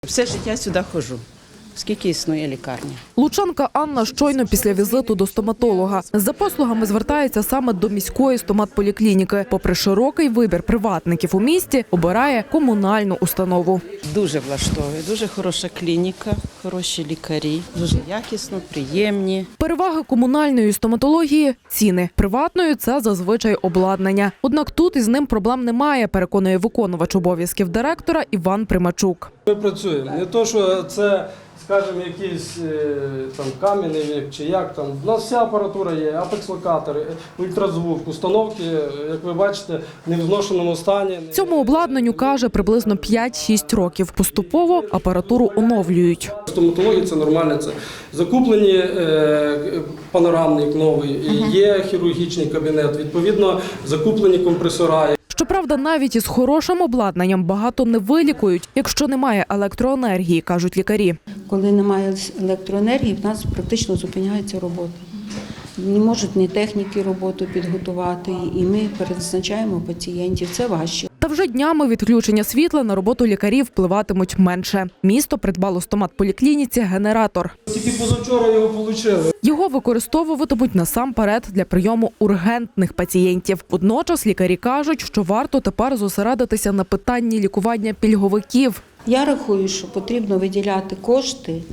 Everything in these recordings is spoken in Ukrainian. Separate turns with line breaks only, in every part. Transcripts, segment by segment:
Все життя сюди ходжу, скільки існує лікарня.
Лучанка Анна щойно після візиту до стоматолога. За послугами звертається саме до міської стоматполіклініки. Попри широкий вибір приватників у місті, обирає комунальну установу.
Дуже влаштовує, дуже хороша клініка, хороші лікарі, дуже якісно, приємні.
Переваги комунальної стоматології – ціни. Приватною – це зазвичай обладнання. Однак тут із ним проблем немає, переконує виконувач обов'язків директора Іван Примачук.
Ми працюємо. Не то, що це, скажімо, якийсь там кам'яний вік чи як там. У нас вся апаратура є, апекс-локатори, ультразвук, установки, як ви бачите, в невзношеному стані.
Цьому обладнанню, каже, приблизно 5-6 років. Поступово апаратуру оновлюють.
Стоматологія – це нормально. Це закуплені панорамник новий, є хірургічний кабінет, відповідно закуплені компресора.
Щоправда, навіть із хорошим обладнанням багато не вилікують, якщо немає електроенергії, кажуть лікарі.
Коли немає електроенергії, в нас практично зупиняється робота. Не можуть ні техніки роботу підготувати, і ми перезначаємо пацієнтів. Це важче.
Та вже днями відключення світла на роботу лікарів впливатимуть менше. Місто придбало стоматполіклініці генератор.
Тільки позавчора його отримали.
Його використовуватимуть насамперед для прийому ургентних пацієнтів. Водночас лікарі кажуть, що варто тепер зосередитися на питанні лікування пільговиків.
Я рахую, що потрібно виділяти кошти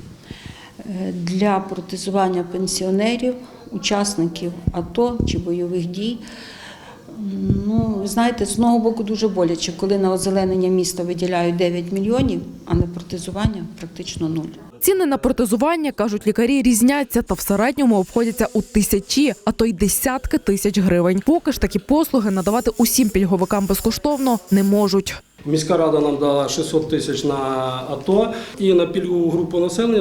для протезування пенсіонерів, учасників АТО чи бойових дій. Ви знаєте, з одного боку дуже боляче, коли на озеленення міста виділяють 9 мільйонів, а на протезування практично 0.
Ціни на протезування, кажуть лікарі, різняться та в середньому обходяться у тисячі, а то й десятки тисяч гривень. Поки ж такі послуги надавати усім пільговикам безкоштовно не можуть.
Міська рада нам дала 600 тисяч на АТО і на пільгову групу населення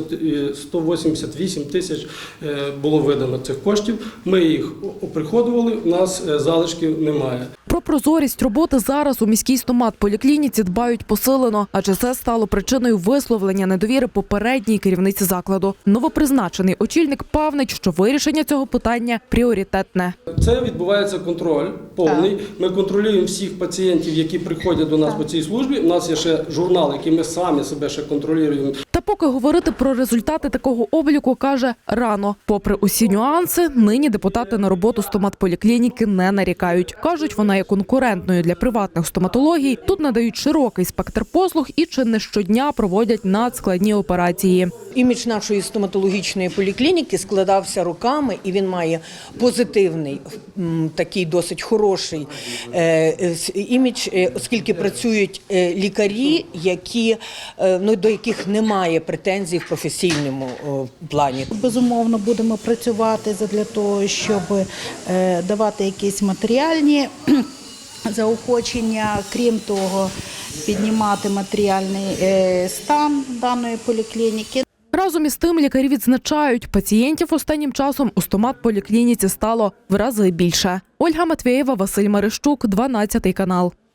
188 тисяч було видано цих коштів. Ми їх оприходували, у нас залишків немає.
Про прозорість роботи зараз у міській стоматполіклініці дбають посилено, адже це стало причиною висловлення недовіри попередній керівниці закладу. Новопризначений очільник певнить, що вирішення цього питання пріоритетне.
Це відбувається контроль повний. Ми контролюємо всіх пацієнтів, які приходять до нас по цій службі. У нас є ще журнал, який ми самі себе ще контролюємо.
Та поки говорити про результати такого обліку, каже, рано. Попри усі нюанси, нині депутати на роботу стоматполіклініки не нарікають. Кажуть, вона є конкурентною для приватних стоматологій. Тут надають широкий спектр послуг і чи не щодня проводять надскладні операції.
Імідж нашої стоматологічної поліклініки складався роками, і він має позитивний, такий досить хороший імідж, оскільки працюють лікарі, до яких немає претензій в професійному плані.
Безумовно, будемо працювати для того, щоб давати якісь матеріальні заохочення, крім того, піднімати матеріальний стан даної поліклініки.
Разом із тим лікарі відзначають, пацієнтів останнім часом у стоматполіклініці стало в рази більше. Ольга Матвєєва, Василь Марищук, 12 канал.